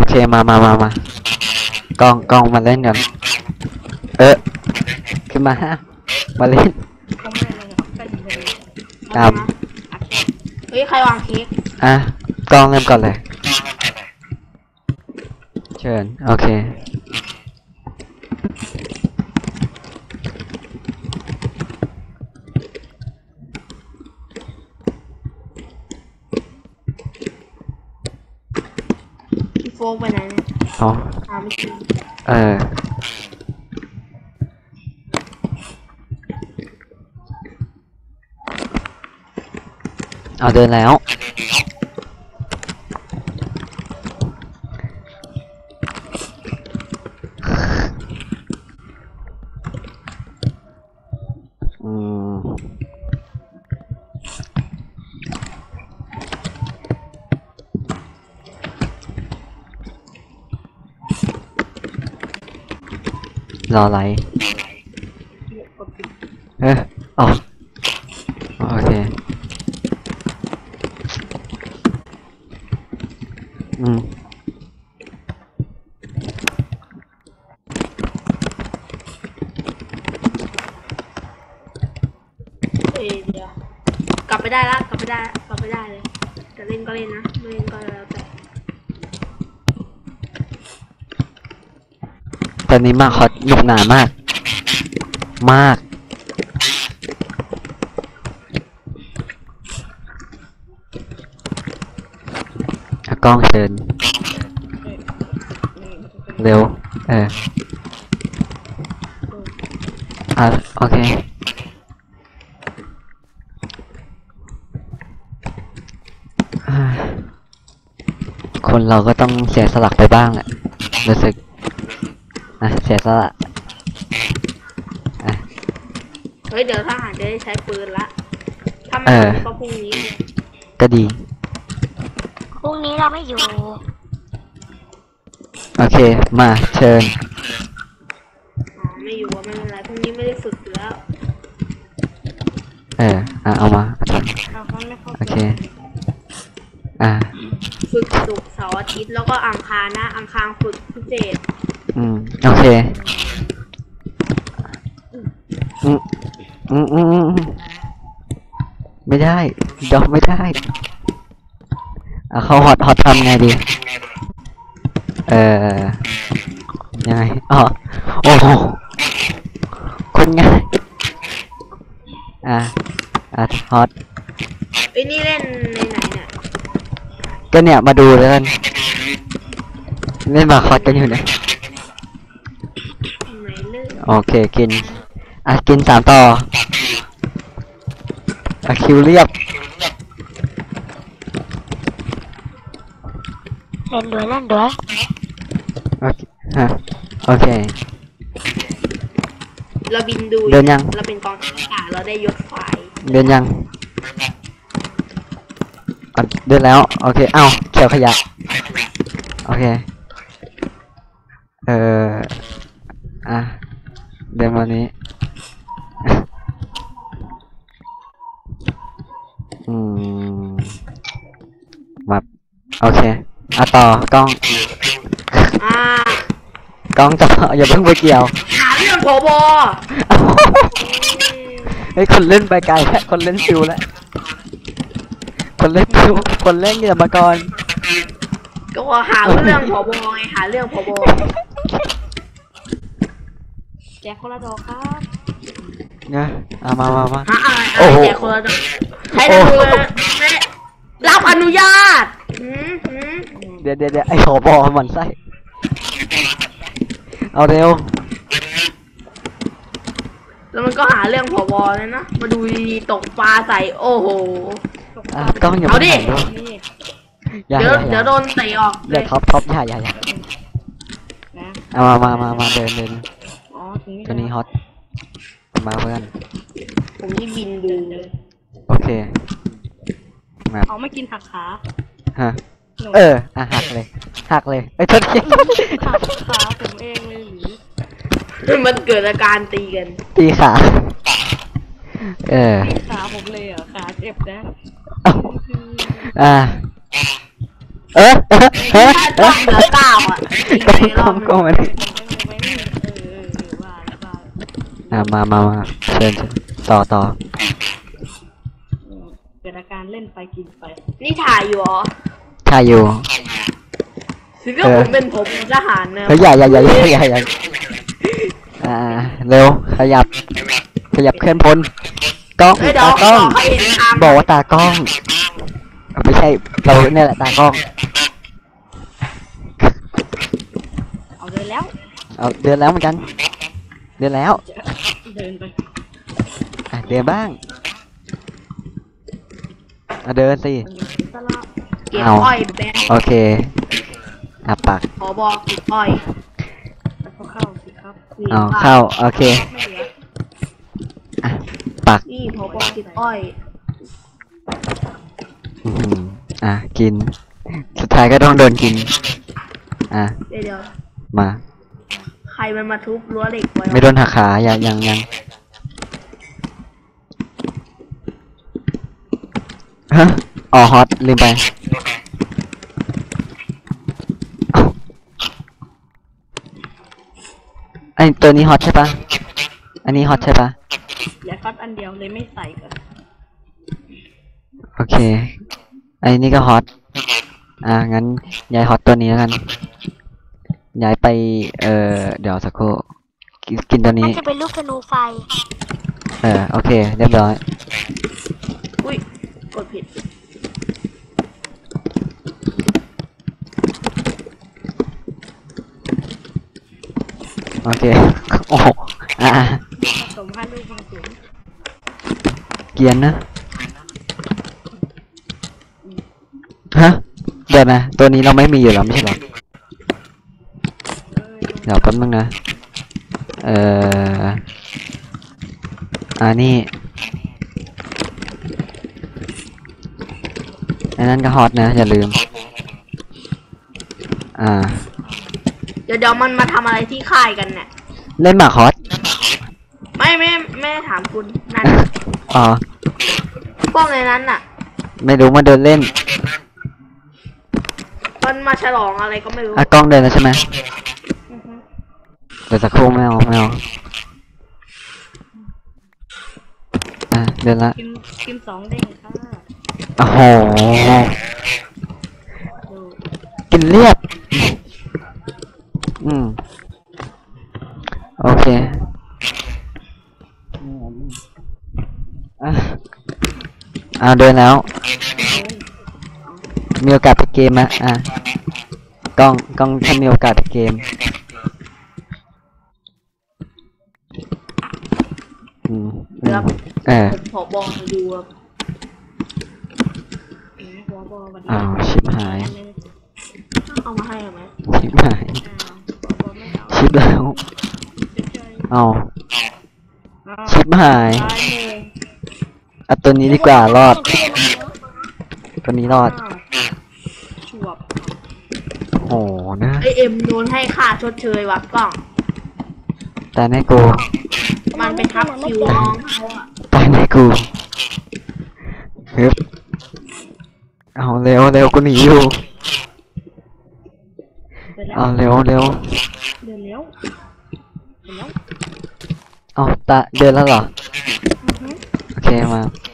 เคมากองมาเล่นกันขึ้นมามาเล่นก็ไม่เลยก็ดีเลยตามเฮ้ยใครวางเค้กกองเริ่มก่อนเลยเชิญโอเคพี่โฟกไปไหนเนี่ยไม่กินเอาเดินแล้วรออะไรอ๋อโอเคเดี๋ยวกลับไปได้แล้วกลับไปได้เลยจะเล่นก็เล่นนะไม่เล่นก็แล้วแต่ตอนนี้มาคอสหนุกหนามากกล้องเชิญเร็วโอเคคนเราก็ต้องเสียสละไปบ้างแหละรู้สึกเสียสละเฮ้ยเดี๋ยวทหารจะได้ใช้ปืนละถ้ามันก็พรุ่งนี้ก็ดีพรุ่งนี้เราไม่อยู่โอเคมาเชิญไม่อยู่ว่าไม่เป็นไรพรุ่งนี้ไม่ได้ฝึกแล้วเอามาโอเคฝึกศุกร์เสาร์อาทิตย์แล้วก็อังคารนะอังคารฝึกพิเศษโอเคไม่ได้ยอมไม่ได้เขาฮอตทำไงดียังไงโอ้โหคนง่ายฮอตนี่เล่นในไหนเนี่ยก็เนี่ยมาดูแล้วกันเล่นมาคอสกันอยู่เนี่ยโอเคกินกิน3ต่อคิวเรียบเล่นด้วยโอเคเราบินดูเดินยังเราเป็นกองทัพอากาศเราได้ยศไฟเดินยังเดินแล้วโอเคเขียวขยะโอเคเดินมานี้มาโอเคต่อกล้องต่ออย่าเพิ่งไปเกี่ยวหาเรื่องผบเฮ้ยคนเล่นไปไกลแล้วคนเล่นซิวแล้วคนเล่นซิวคนเล่นอย่ามาก่อนก็ว่าหาเรื่องผบไงหาเรื่องผบแจกคนละดอกครับเนี่ยมาโอ้โหแจกคนละดอกให้ดูเลยรับอนุญาตเดี๋ยวไอ้ผบหมันไส้เอาเร็วแล้วมันก็หาเรื่องผบเลยนะมาดูดีๆตกปลาใส่โอ้โหกล้องอย่าเอาดิเดี๋ยวโดนเตะออกเดี๋ยวท็อปอย่ามาเดินตัวนี้ฮอตมาเพื่อนผมที่บินดูโอเคเขาไม่กินหักขาหักเลยโทษทีหักขาผมเองเลยหรือมันเกิดอาการตีกันตีขาขาผมเลยขาเจ็บนะเออถ้าต้องเหลือเก้าอ่ะอีกกล้ในรออง บหกล้องนึงมาดิมาเชิญต่อเกิดอาการเล่นไปกินไปนี่ถ่ายอยู่เหรอถ่ายอยู่ถึงก็ผมเป็นผมทหารนะเฮ้ยอย่าเร็วขยับเคลื่อนพลกล้องเฮ้ยเดี๋ยวตากล้องเขาเห็นทางบอกว่าตากล้องไม่ใช่เราเนี่ยแหละตากล้องเอาเลยแล้วเอาเดินแล้วเหมือนกัน เดินแล้วเดินไปเดินบ้างเดินสิตลาดเก็บเอาอ้อยแบงโอเคปักขอบอกเก็บอ้อยแล้วก็เข้าสิครับนี่เอาเข้าโอเคไม่เหลือปักนี่ขอบอกเก็บอ้อยอื้อหือกิน สุดท้ายก็ต้องโดนกินเดี๋ยวมาใครมันมาทุบรั้วเหล็กไว้วะไม่โดนหักขายังฮะอ๋อฮอตลืมไปเอ้าไอตัวนี้ฮอตใช่ปะอันนี้ฮอตใช่ปะอย่าคัดอันเดียวเลยไม่ใส่กันโอเคไอนี่ก็ฮอตงั้นย้ายฮอตตัวนี้แล้วกันย้ายไปเดี๋ยวสักครู่กินตัวมันี้นจะเป็นลูกธนูไฟโอเคเรียบร้อยอุ้ยกดผิดโอเค โอ้โหผสม5ลูกผสมเกรียนนะ ฮะ เดี๋ยวนะ ตัวนี้เราไม่มีอยู่แล้วไม่ใช่หรอ เดี๋ยวแป๊บนึงนะ นี่อันนั้นก็ฮอตนะ อย่าลืมเดี๋ยวมันมาทำอะไรที่ค่ายกันเนี่ยเล่นหมากฮอตไม่ได้ถามคุณนั่นอ๋อกล้องในนั้นน่ะไม่รู้มาเดินเล่นมันมาฉลองอะไรก็ไม่รู้กล้องเดินแล้วใช่ไหมอือฮึเดี๋ยวสักครู่ไม่เอาเดินละกิน2เด้งค่ะโอ้โหดูกินเรียบ โอเคเดินแล้ว มีโอกาสไปเกมไหมกล้องถ้ามีโอกาสไปเกมครับ ผมขอบอกให้ดูครับหัวบอวันนี้อ้าวชิบหายเอามาให้เอาไหมชิบหายหัวบอไม่เอาชิบแล้วเฉยเอาๆชิบหายตายเลยเอาตัวนี้ดีกว่ารอด ตัวนี้รอดฉวบโอ้โหนะไอเอ็มโดนให้ค่าชดเชยว่ะกล้องแต่ในกูมันไปทับคิวน้องเขาอ่ะแต่ในกูฮึบเอาเร็วกูหนีอยู่เดินแล้วเอาเร็วเดินแล้วเอาเดินแล้วเหรอ โอเคมา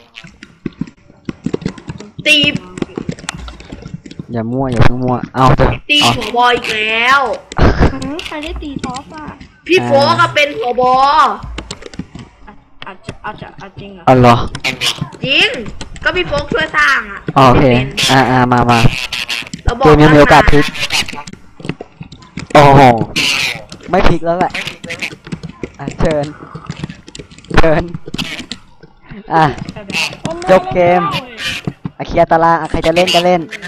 ตีอย่ามั่วอย่าเพิ่งมั่ว เอาเถอะตีเอาหัวบอยอีกแล้วใครได้ตีซอฟอ่ะพี่โฟก็เป็นหัวบออาจจริงเหรอเอาเหรอจริง ก็พี่โฟกช่วยสร้างอ่ะโอเคไม่เป็นมาเราบอเกกมยังมีโอกาสพลิก โอ้โห ไม่พลิกแล้วแหละ เชิญ จบเกม เคลียร์ตารางใครจะเล่นก็เล่น